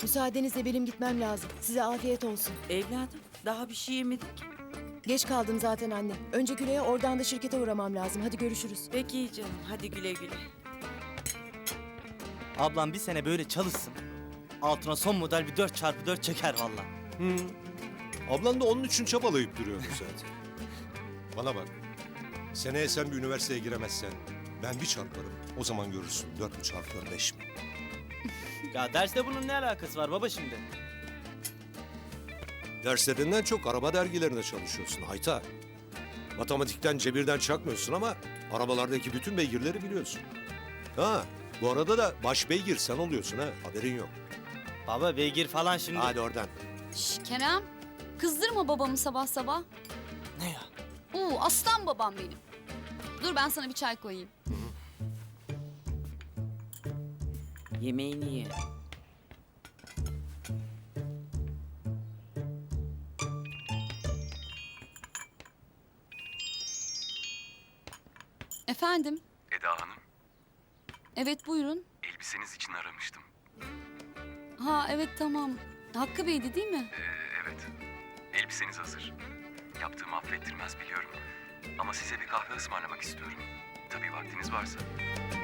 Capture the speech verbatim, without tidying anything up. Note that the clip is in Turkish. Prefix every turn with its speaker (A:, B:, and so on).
A: Müsaadenizle benim gitmem lazım. Size afiyet olsun.
B: Evladım daha bir şey yemedik.
A: Geç kaldım zaten anne. Önce Güle'ye, oradan da şirkete uğramam lazım. Hadi görüşürüz.
B: Peki canım, hadi güle güle.
C: Ablam bir sene böyle çalışsın. Altına son model bir dört çarpı dört çeker valla.
D: Hı. Ablan da onun için çabalayıp duruyordu zaten. Bana bak. Seneye sen bir üniversiteye giremezsen ben bir çarparım. O zaman görürsün. Dört mü çarpıyor, beş mi?
C: Ya derste bunun ne alakası var baba şimdi?
D: Derslerinden çok araba dergilerinde çalışıyorsun Hayta. Matematikten, cebirden çakmıyorsun ama arabalardaki bütün beygirleri biliyorsun. Ha, bu arada da baş beygir sen oluyorsun ha. Haberin yok.
C: Baba beygir falan şimdi.
D: Hadi oradan.
E: Şş, Kerem, kızdırma babamı sabah sabah.
C: Ne ya?
E: Oo, aslan babam benim. Dur ben sana bir çay koyayım.
B: Yemeğini ye.
E: Efendim?
F: Eda Hanım,
E: Evet buyurun.
F: elbiseniz için aramıştım.
E: Ha evet tamam. Hakkı Bey'di değil mi?
F: Ee, evet, elbiseniz hazır. Yaptığımı affettirmez biliyorum. Ama size bir kahve ısmarlamak istiyorum. Tabii vaktiniz varsa.